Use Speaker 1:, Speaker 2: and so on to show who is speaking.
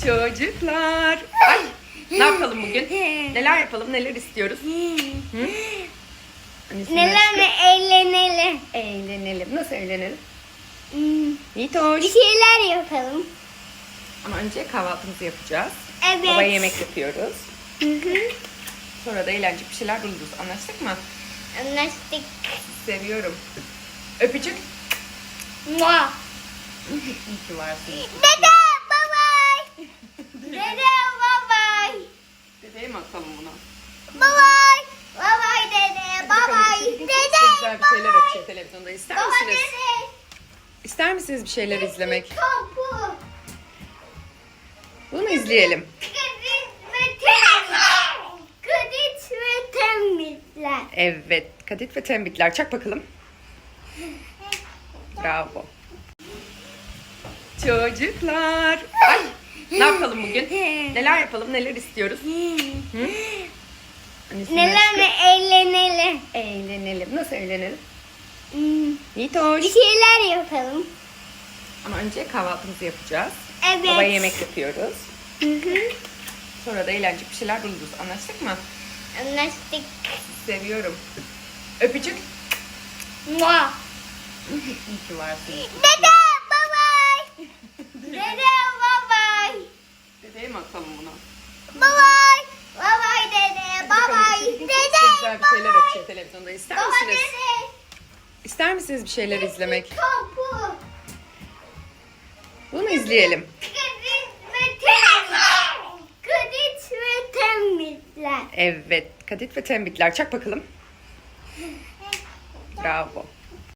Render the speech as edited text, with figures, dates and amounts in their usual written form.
Speaker 1: Çocuklar. Ay, ne yapalım bugün? Neler yapalım? Neler istiyoruz? Hı?
Speaker 2: Neler mi eğlenelim?
Speaker 1: Eğlenelim. Nasıl eğlenelim?
Speaker 2: Bir
Speaker 1: Yiğitoş.
Speaker 2: şeyler yapalım.
Speaker 1: Ama önce kahvaltımızı yapacağız.
Speaker 2: Evet.
Speaker 1: Babaya yemek yapıyoruz.
Speaker 2: Hı hı.
Speaker 1: Sonra da eğlenceli bir şeyler buluruz. Anlaştık mı?
Speaker 2: Anlaştık.
Speaker 1: Seviyorum. Öpücük.
Speaker 2: Mua.
Speaker 1: İyi ki varsın.
Speaker 2: Dede babay. Dede babay.
Speaker 1: Dedeye mi atalım bunu?
Speaker 2: Babay. Babay dede babay.
Speaker 1: Çok
Speaker 2: Dede
Speaker 1: güzel bir şeyler açıyor televizyonda. İster
Speaker 2: Baba
Speaker 1: misiniz?
Speaker 2: dede.
Speaker 1: İster misiniz bir şeyler izlemek?
Speaker 2: Topu.
Speaker 1: Bunu izleyelim.
Speaker 2: Kadit ve temizler.
Speaker 1: Evet. Kadit ve tembitler. Çak bakalım. Bravo. Çocuklar. Ay, ne yapalım bugün? Neler yapalım? Neler istiyoruz? Hı?
Speaker 2: Neler mi eğlenelim?
Speaker 1: Eğlenelim. Nasıl eğlenelim?
Speaker 2: Bir
Speaker 1: Yiğitoş.
Speaker 2: şeyler yapalım.
Speaker 1: Ama önce kahvaltımızı yapacağız.
Speaker 2: Evet.
Speaker 1: Babaya yemek yapıyoruz.
Speaker 2: Hı hı.
Speaker 1: Sonra da eğlenceli bir şeyler buluruz. Anlaştık mı?
Speaker 2: Anlaştık.
Speaker 1: Seviyorum. Öpücük.
Speaker 2: Mua.
Speaker 1: İyi ki varsın.
Speaker 2: Dede babay. Dede babay.
Speaker 1: Dedeye mi atalım bunu?
Speaker 2: Babay. Babay dede babay.
Speaker 1: Çok
Speaker 2: Dede
Speaker 1: güzel bir şeyler açıyor televizyonda. İster
Speaker 2: Baba
Speaker 1: misiniz?
Speaker 2: dede.
Speaker 1: İster misiniz bir şeyler izlemek?
Speaker 2: Topu.
Speaker 1: Bunu izleyelim.
Speaker 2: Kadit ve temizler.
Speaker 1: Evet. Kadit ve tembitler. Çak bakalım. Bravo.